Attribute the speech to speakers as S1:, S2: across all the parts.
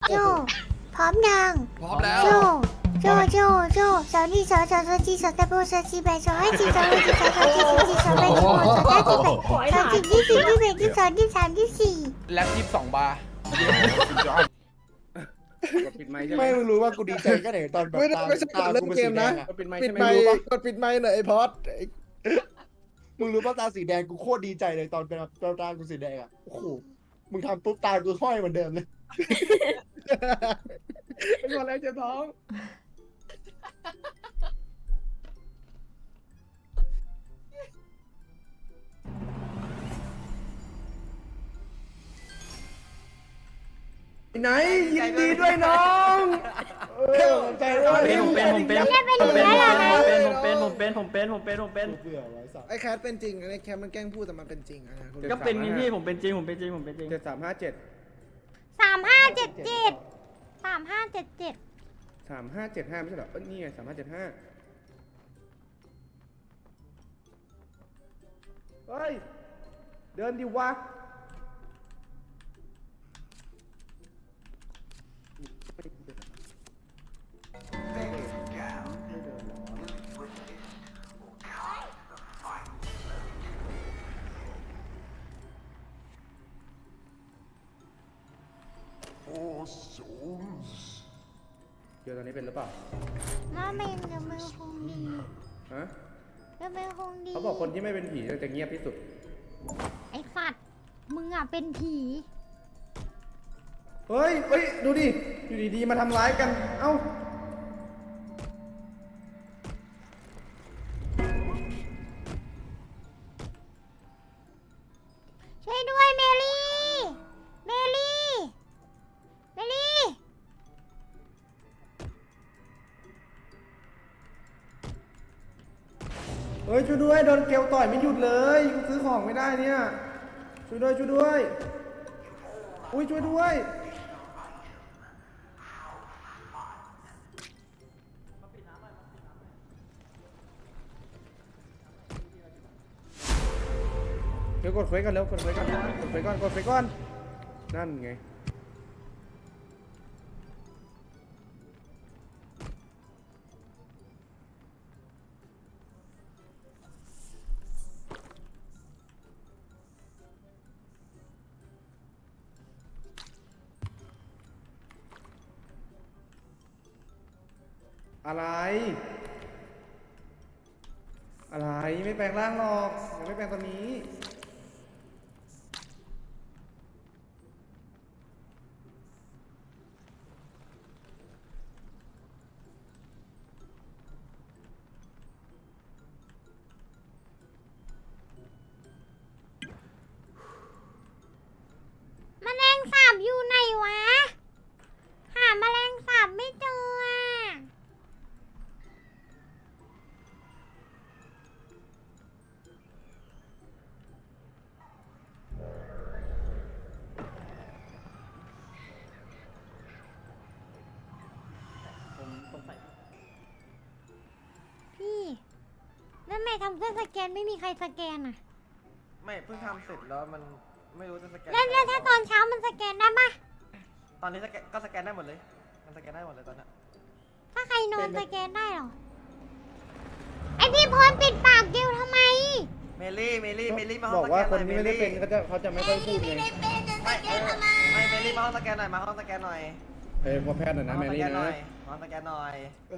S1: โจพร้อมยัง
S2: พร้อมแล้ว
S1: โจสาวนี่สาวจีสาวตะโบสาวจีแบสาวให้จีสาวให้จีสาวจีสาวแบสาวสาวจีแบสาวจีที่สี่ที่แบที่สองที่สามที่สี่
S2: แล็บ22 บาร์
S3: กดปิดไมค์ใช่ไหม
S4: ไม่รู้ว่ากูดีใจแค่ไหนตอนแบบ
S5: ไม่ได้ไม่ใช่
S4: ตา
S5: เล่
S4: กู
S5: น
S4: เป็น
S5: เก
S4: สี
S5: ม
S4: แด
S5: นะ
S4: งอะ
S3: กดปิดไมค์
S5: ปิ
S3: ใช่
S5: ด
S3: ไหม
S5: ไมค์
S3: รู้ปะ
S5: กดปิดไมค์หน่อยไอ้พอด
S4: มึงรู้ป่ะตาสีแดงกูโคตรดีใจเลยตอนเป็นตากูสีแดงอ่ะโอ้โหมึงทำปุ๊บตากูห้อยเหมือนเดิมเลย
S3: เป็นคนแล้วเจ็บท้อง
S5: ไหนยินดีด้วยน้องใจด้วย
S1: ผมเป็น
S4: เบื่อไว้สัตว์
S5: ไอ้แคทเป็นจริงไอ้แคทมันแกล้งพูดแต่มันเป็นจริงอะนะคุณ
S6: ก็เป็นพี่ผมเป็นจริงผมเป็นจริง
S3: 7357
S1: 3577 3577
S3: 3575ไม่ใช่เหรอนี่ไง3575เฮ้ยเดินดิวะเดี๋ยวตอนนี้เป็นหรือเปล่า
S1: น้าเมงกับมือคงดี
S3: ฮะ
S1: กับมือคงดี
S3: เขาบอกคนที่ไม่เป็นผีจะเงียบที่สุด
S1: ไอ้สัตว์มึงอ่ะเป็นผี
S3: เฮ้ยดูดิอยู่ดีๆมาทำร้ายกันเอ้า
S1: ช่วยด้วยเมลี่เมลี่เมลี่
S3: เฮ้ยช่วยด้วยโดนเกลต่อยไม่หยุดเลยซื้อของไม่ได้เนี่ยช่วยด้วยอุ้ยช่วยด้วยเดี๋ยวกดเฟซกันเร็วกดเฟซก่อนนั่นไงอะไรไม่แปลงร่างหรอกยังไม่แปลงตอนนี้
S1: แมลงสาบอยู่ไหนวะหาแมลงสาบไม่เจออ่ะพี่แล้วทำไมทำเครื่องสแกนไม่มีใครสแกนอ่ะ
S7: ไม่เพิ่งทำเสร็จแล้วมันไม่รู้จะสแกน
S1: แล้วถ้าตอนเช้ามันสแกนได้ปะ
S7: ตอนนี้ก็สแกนได้หมดเลยมันสแกนได้หมดเลยตอนนี้
S1: ถ้าใครนอนสแกนได้เหรอไอพี่พรปิดปากเกลทำไม
S7: เมลี่มาห้
S3: บ
S7: อ
S3: อง ก
S7: สแก
S3: ว่าน
S7: ห
S3: ค
S7: น่
S3: น
S7: อย
S3: ที่ไม่ได้เป็นเขาจะไม่ค่อยพูดไง
S7: ไม่เมลี่มาห้องสแกนหน่อยมาห้องสแกนหน่อย
S3: พอแพทย์หน่อยนะแมรี่นะ
S7: มาห้องสแกนหน่อย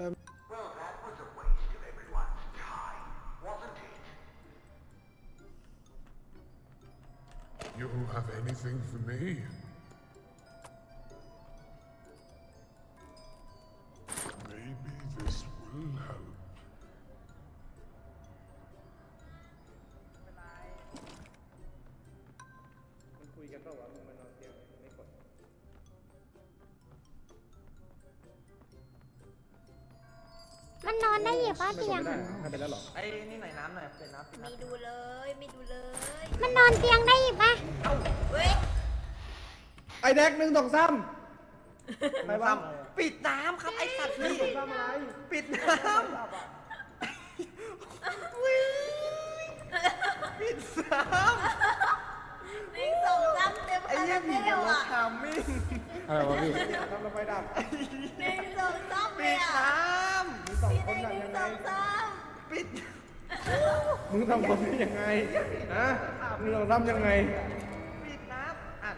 S8: You have anything for me? Maybe this will help.
S3: มันคุยกันเปล่าวะมึงมานอนเตียงไม่กด
S1: มันนอนได้เหรอป้า
S3: ไม่
S1: เตี
S3: ก
S1: ย
S3: ด
S1: ง
S3: ไม่ได้
S1: อะ
S3: ให้ไปแล้วหรอ
S7: ไอ้นี่หน่อยน้ำหน่อยเป็นน้ำ
S9: ไม่ดูเลยไม่ดูเลย
S1: มันนอนเตียงได้อีกปะ
S9: เว้ย
S3: ไอแดก1 2 3ไปบ้าง
S7: ปิดน้ำครับไอ้สัตว์นี่
S3: ทำอะไร
S7: ปิดน้ำปิดน้ำ
S9: 1 2 3เต็ม
S7: ไอ้
S9: คา
S7: เหี้ย
S9: รา
S7: ผี
S9: เบ
S7: กับ
S9: ล
S7: รถ
S9: อ่ะ
S7: ทามมิ่ง
S5: อะไรวะพี่
S3: ทำระไฟดับ
S9: หนึ่งสองสาม
S7: ปิดน้
S3: มีสองคนน่ะยัง
S9: ส
S3: ไง
S9: องสาม
S7: ำปิด
S3: มึงทำคนนี้ยังไงฮะมึงลองทำยังไง
S7: ปิดน้ำอ่าน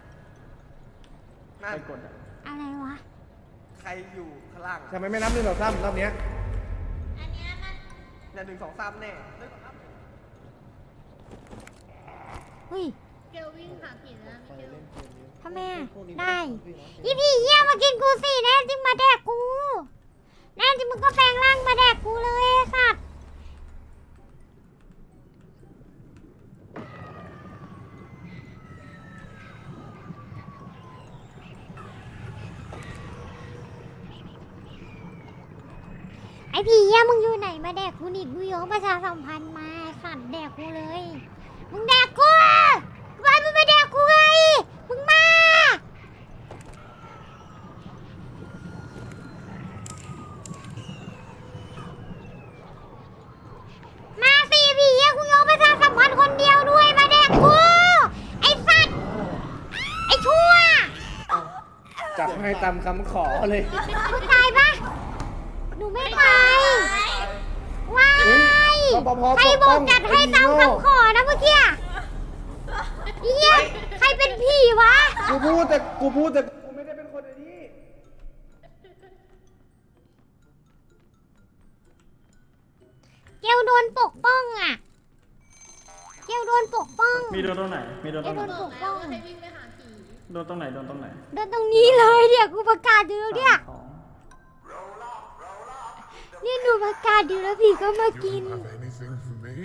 S7: นั่
S3: ใคร
S7: น
S3: กดอ่ะ
S1: อะไรวะ
S7: ใครอยู่ข้างล่าง
S3: ทำไมไม่นับหนึ่งสองสามรอบเนี้ย
S9: อันเนี้ยมัน
S7: เนี่ย1 2 3แน่
S1: เฮ้ย
S9: เกลวิ่งหาผีแล้วมิเกล
S1: ทำไมอะได้อีพี่เหี้ยมากินกูสิแน่จริงมาแดกกูแน่จริงมึงก็แปลงร่างมาแดกกูเลยไอ้สัตว์ไอ้พี่เหี้ยมึงอยู่ไหนมาแดกกูนี่กูยกประชาสัมพันธ์มาไอ้สัตว์แดกกูเลยมึงแดกกูไปมึงมาแดกกูไงมึงมามาสิพี่เหี้ยกูยกประชาสัมพันธ์คนเดียวด้วยมาแดกกูไอ้สัตว์ไอ้ชั่ว
S3: จับให้ตามคำขอเลย
S1: มึงตายปะหนูไม่ตายว้า
S3: เฮ้ย
S1: ย
S3: รปภ
S1: ใคร
S3: ปก
S1: บ
S3: ป้
S1: อ
S3: อก ง
S1: จัดให้ตามคำขอนะเมื่อกี้เฮียใครเป็นผีวะ
S3: กูพูดแต่กูไม่ได้เป็นคนไอ้นี้
S1: เกลโดนปกป้องอ่ะเกลโดนปกป้อง
S5: มีโดนตรงไหน มีโดน
S1: เก
S5: ตร
S1: ล
S5: ง
S1: โด
S5: ไหน
S1: นปกป้อง
S9: ให้วิ่งไปหาผี
S5: โดนตรงไหน โดนตรงไหน
S1: โดนตรงนี้เลยเนี่ยกูประกาศอยู่แล้วเนี่ย
S5: ของ
S1: นี่หนูประกาศอยู่แล้วผีก็มากิน
S8: You have anything for me?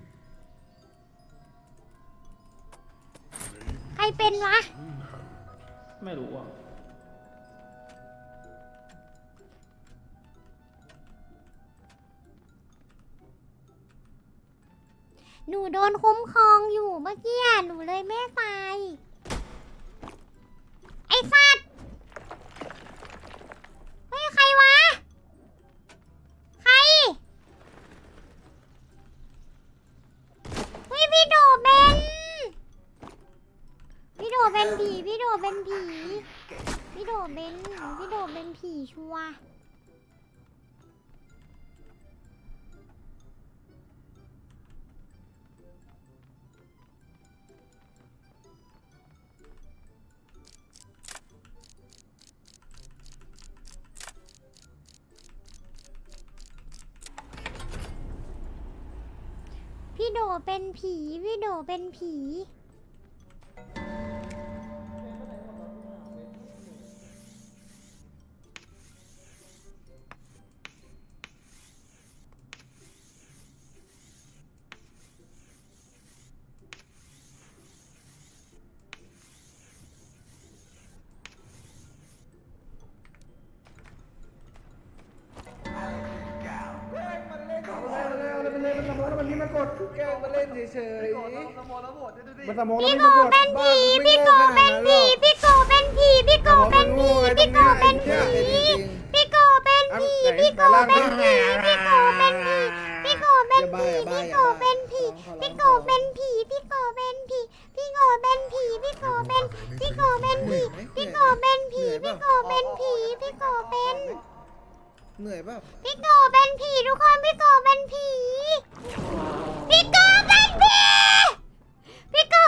S1: ใครเป็นวะ
S5: ไม่รู้อ่ะ
S1: หนูโดนคุ้มครองอยู่เมื่อกี้หนูเลยไม่ตายไอ้สัตว์เฮ้ยใครวะใครเฮ้ยพี่โดเป็นพี่โดเป็นผีพี่โดเป็นผีพี่โดเป็นผีชัวร์พี่โดเป็นผีพี่โดเป็นผี
S3: มันนี่มากดแกมาเล่นเฉย
S7: พี่โกรธสมองแล้วโหวตดูดิ
S3: มันสมองแล้ว
S1: พี่
S3: ไม่
S1: โก
S3: มากด
S1: เป็นผีพี่โกเป็นผีพี่โกเป็นผีพี่โกเป็นผีพี่โกเป็นผีพี่โกเป็นผีพี่โกเป็นผีพี่โกเป็นผีพี่โกเป็นผีพี่โกเป็นผีพี่โกเป็นผีพี่โกเป็นผีพี่โกเป็นผีพี่โกเป็นพี่โกเป็นผีพี่โกเป็นผีพี่โกเป็นผีพี่โกเป็น
S2: เหนื่อยเปล่า
S1: พี่โกเป็นผีทุกคนพี่โกเป็นผีพี่โกเป็นผีพี่โก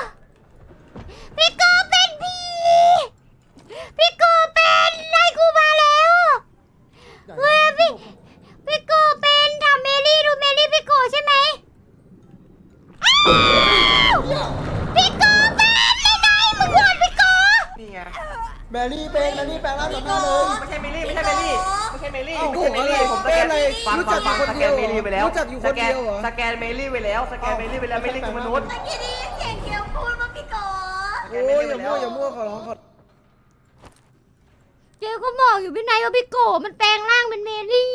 S1: เป็นผีพี่โกเป็นไล่กูมาแล้วเฮ้ยพี่โกเป็นถามเมลี่ดูเมลี่พี่โกใช่ไหมอ้าวพี่โกเป็นไหนมึงโหวตพี่โก
S7: นี่ไง
S2: แมรี่เป็นแมรี่แปลงร่างต่อหน้าเลย
S7: ไม่ใช่เมลี่ไม่ใช่เมลี่ไม่ใช่เมลี่
S2: เอ้า
S7: ไม่ใช่เมลี่
S2: โอ้โห
S7: ผมสแกน
S2: อะไร
S7: ฟัง
S2: รู้จักอยู่คน
S7: ส
S2: เดี
S7: แก
S2: ย
S7: น
S2: ว
S7: เมลี่ไปแล้ว
S2: รู้จักอยู่คนเดียวเหรอ
S7: สแกนเมลี่ไปแล้วสแกนเมลี่ไปแล้วเมลี่คือมนุษย์
S9: เมื่อกี้ได้ยินเสียงเกลพูดว่าพี่โก
S2: โอ้ยอย่ามั่วขอร้องขอ
S1: เจ๊ก็บอกอยู่พี่นายว่าพี่โกมันแปลงร่างเป็นเมลี่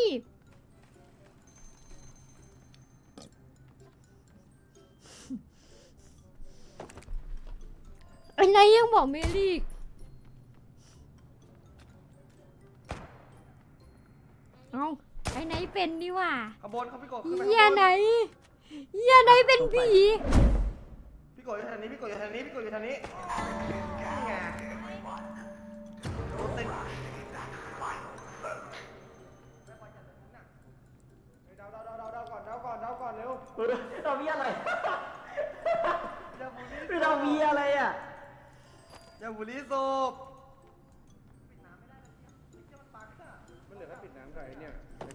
S1: ไอ้นายยังบอกเมลี่ เอาไอ้ไหนเป็นดีว่า
S7: ขบวนเขาพี่โกขึ้นไป
S1: เหี้ยไหนเหี้ยไหนเป็นผี
S7: พี่โกอยู่ทางนี้พี่โกอยู่ทางนี้พี่โกอยู่ทางนี้นี่ไง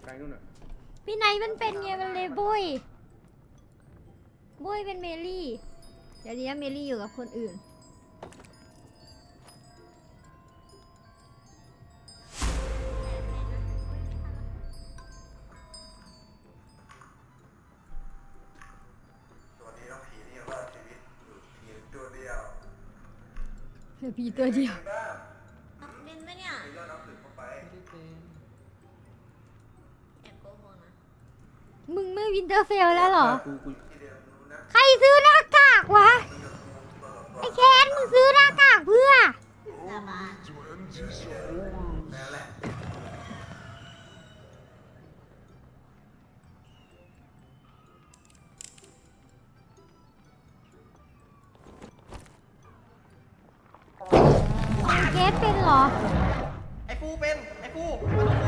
S3: ลๆนู่นน่ะ
S1: พี่ไนท์มันเป็นไงมันเลยบุยเป็นเมลี่ เดี๋ยวนี้เมลี่อยู่กับคนอื่น
S6: ตัวนี้ต้องผีนี่ว่าชีวิตอยู่ผีตัวเดียว
S1: เหลือพี่ตัวเดียว
S6: บ้าง
S9: บินไหมเนี่ย
S6: มียอดน้ำถึงเข้าไป
S9: แอบโกหกนะ
S1: มึงไม่วินเทอร์เฟลแล้วเหรอ
S6: ที่เดียวรู้นะ
S1: ใครซื้อหน้ากากวะ ไอ้แคนมึงซื้อหน้ากากเพื่อ
S9: สาบาน
S6: นั่นแหละ
S1: เคสเป็นเหรอ
S7: ไอ้ฟูเป็นไอ้ฟูมาดูฟู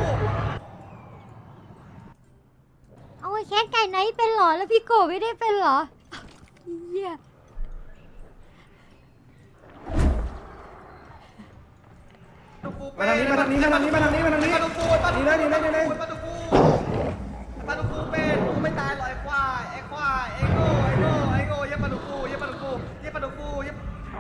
S1: เอาไอ้แคสไก่ไนท์เป็นเหรอ แล้วพี่โกไม่ได้เป็นเหรอเหี้ย
S7: ดูฟู
S3: มาทางนี้มาทางนี้มาทางนี้มาทางนี้มาทางนี้
S7: มาดูฟูมาดู
S3: ดีเลยดีเลยดีเลย
S7: มาดูฟูมาดูฟูเป็นฟูไม่ตายหรอกไอ้ควายไอ้ควายไอ้โง่ไอ้โง่ไอ้โง่อย่ามาดูฟูอย่ามาดูฟูอย่ามาดูฟูอย่า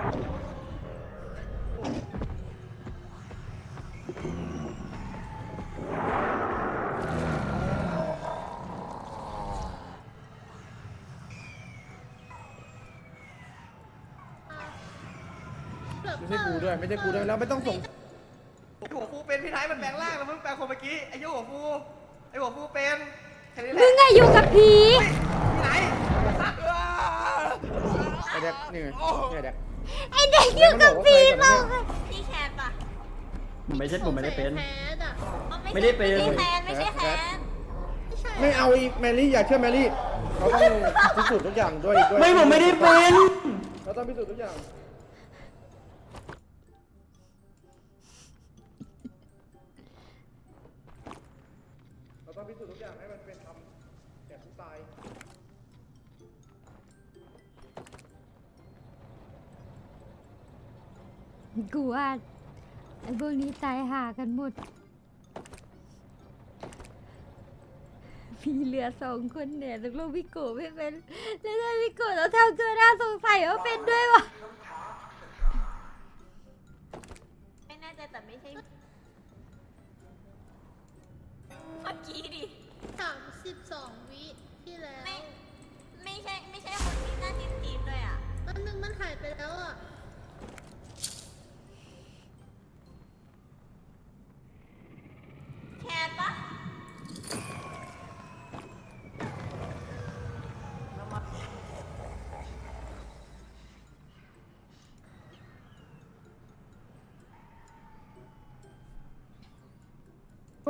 S3: ไม่ใช่กูด้วยไม่ใช่กูด้วยเราไม่ต้องส่ง
S7: ไอ้หัวฟูเป็นพี่ไทยมันแปลงร่างแล้วมึงแปลงคนเมื่อกี้ไอ้หัวฟูไอ้หัวฟูเป็นแค่นี้แห
S1: มึ
S7: ละ
S1: งอะอยู่กับผี
S7: พี่ไหนสัตว์
S3: ไอ้เด็กนี่ไงนี่ไอ้เด็ก
S1: ไอเด็กอยู่กับผีเรา
S9: พี่แคทปะ
S5: ผมไม่ได้เป็น
S9: แคทอ่ะ
S5: ไม่ได้เป็น
S9: ไม่ใช่แคนไม่ใช่แคนไม่ใช่
S3: ไม่เอาอีกแมรี่อย่าเชื่อแมรี่เราต้องพิสูจน์ทุกอย่างด้วย
S5: ไม่ผมไม่ได้เป็น
S3: เราต้องพิสูจน์ทุกอย่างเราต้องพิสูจน์ทุกอย่างให้มันเป็นธรรมแก่ผู้ตาย
S1: กูว่าไอ้พวกนี้ตายหากันหมด มีเหลือ2 คนเนี่ยตกลงพี่โกไม่เป็น แล้วถ้าพี่โกเราทำตัวน่าสงสัยว่าเป็นด้วยวะ
S9: ไม่แน่ใจแต่ไม่ใช่เมื่อกี้ดิ
S10: 32 วิที่แล้ว
S9: ไม่ใช่คนที่หน้าจีนๆด้วยอ่ะ
S10: แป๊บนึงมันหายไปแล้วอ่ะ
S9: แคทปะ
S3: โอ้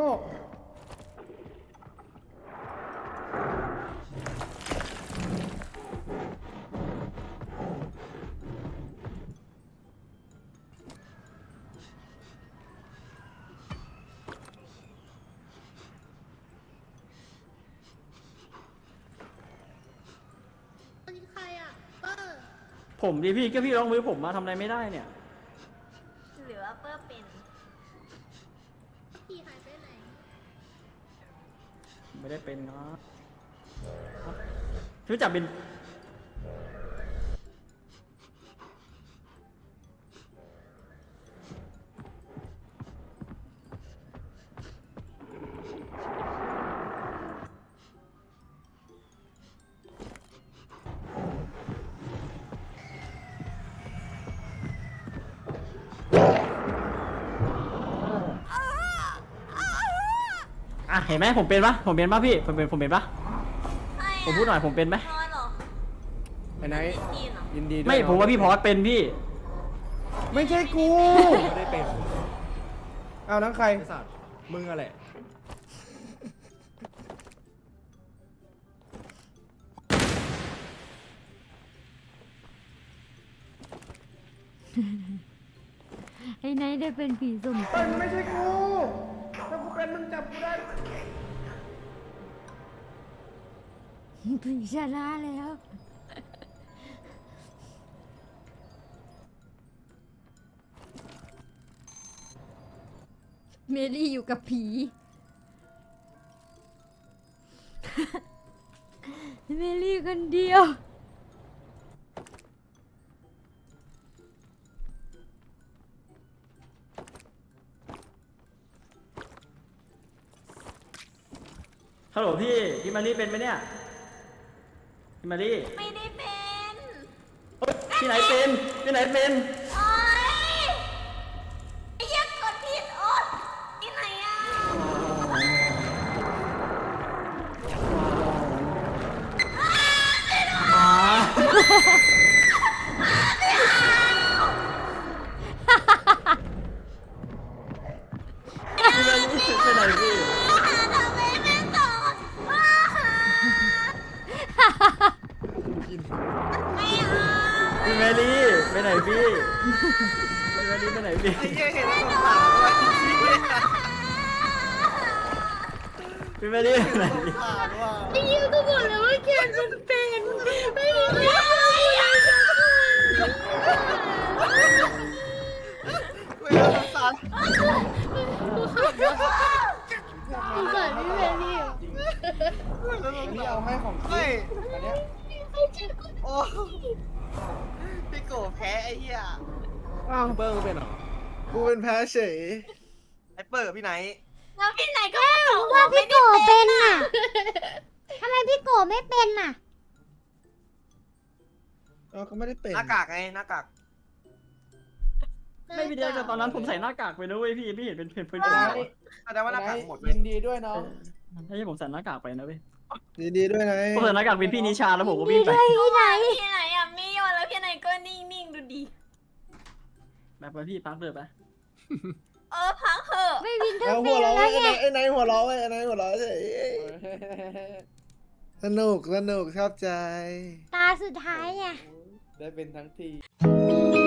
S10: อันนี้ใครอ่ะเปอร์
S5: ผมดิพี่ก็พี่ลองมือผมมาทำอะไรไม่ได้เนี่ย
S9: หรือว่าเปอร์เป็น
S10: พี่หายไปไหน
S5: ไม่ได้เป็นนะพี่จับเป็น อ่ะเห็นไหมผมเป็นปะผมเป็นปะพี่ผมเป็นปะ
S9: ใครอะ
S5: ผมพูดหน่อยผมเป็นไหม
S9: นอนเหรอ
S3: ไอ้ไหน
S9: จีนเหรอ
S3: ยินดีด้วย
S5: ไม่ผมว่าพี่พอสเป็นพี่
S3: ไม่ใช่กู
S4: ไม่ได้เป็น
S3: เอานังใคร
S4: ไอ้สัตว์มึงอะแหละ
S1: ไอ้ไนท์ได้เป็นผีสม
S3: เป็นไม่ใช่กูถ้ากูเป็นมึงจับกูได้
S1: ผีชนะแล้ว เมลี่อยู่กับผีเมลี่คนเดียว
S7: ฮัลโหลพี่มารีเป็นไหมเนี่ยพี่มารี
S9: ไม่ได้เป็น
S7: พี่ไหนเป็นพี่ไหนเป็น
S9: โอ๊ยไอ้เหี้ยกดผิดโอ๊ยที่ไหนอ่ะ
S7: พี่มารีไปไหนพี่
S9: ทำไมไม่ตอบไม่เอา
S7: พี่มารีไปไหนพี่พี่มารีไปไหนพี่
S5: ไอ้เหี้ยเห็นแล้วสงสารว่ะ
S7: พี่มารีไปไหน
S5: สงสารว่ะ
S10: ไอ้ยิวก็บอกแล้วว่าแคนมันเป็นไม่มีใครทำอะไรสักคน
S5: เวลาสงสาร
S10: สงสารพี่เมลี่อ่ะ
S2: นี่เอาให้ของ
S5: ไม่
S2: อันเนี้ย
S5: โอ้พี่โกแพ้ไอ้เหี้ย
S3: อ้าวเบิ้งเป็นเหรอ
S2: กูเป็นแพ้เฉย
S5: ไอ้เปิดกับพี่ไหน
S9: แล้วพี่ไหนก็มาตอบ
S1: ว่าพี่โกเป็นน่ะทำไมพี่โกไม่เป็นน่ะ
S2: เราก็ไม่ได้เป็น
S5: หน้ากากไงหน้ากาก
S7: ไม่พี่เดียวแต่ตอนนั้นผมใส่หน้ากากไปนะเว้ยพี่เห็นเป็นเพื่อน
S2: ได้
S5: แสดงว่าหน้ากากหมดเล
S2: ยิ
S5: ย
S2: นดีด้วยน้อง
S7: ถ้าใช่ผมใส่หน้ากากไปนะเว้ย
S2: ยินดีด้วยนะ
S7: ผมใส่หน้ากากเป็นพี่นิชาแล้วผมก็
S1: ดี
S7: วิ่งไป
S1: ด้วยพี่ไหน
S9: พี่ไหนอ่ะไม่ยอมแล้วพี่ไหนก็นิ่งๆดูดิ
S7: แบบไปพี่ปักเดือไป
S9: พักเถอะ
S1: ไม่วินเทอ
S2: เอา
S1: ร์เฟ
S2: หัว
S1: ล
S2: เราะ
S1: แล้วไง
S2: ไอ้นายหัวเราะไอ้นายหัวเราะเฉยสนุกชอบใจ
S1: ตาสุดท้ายอ่ะ
S2: ได้เป็นทั้งที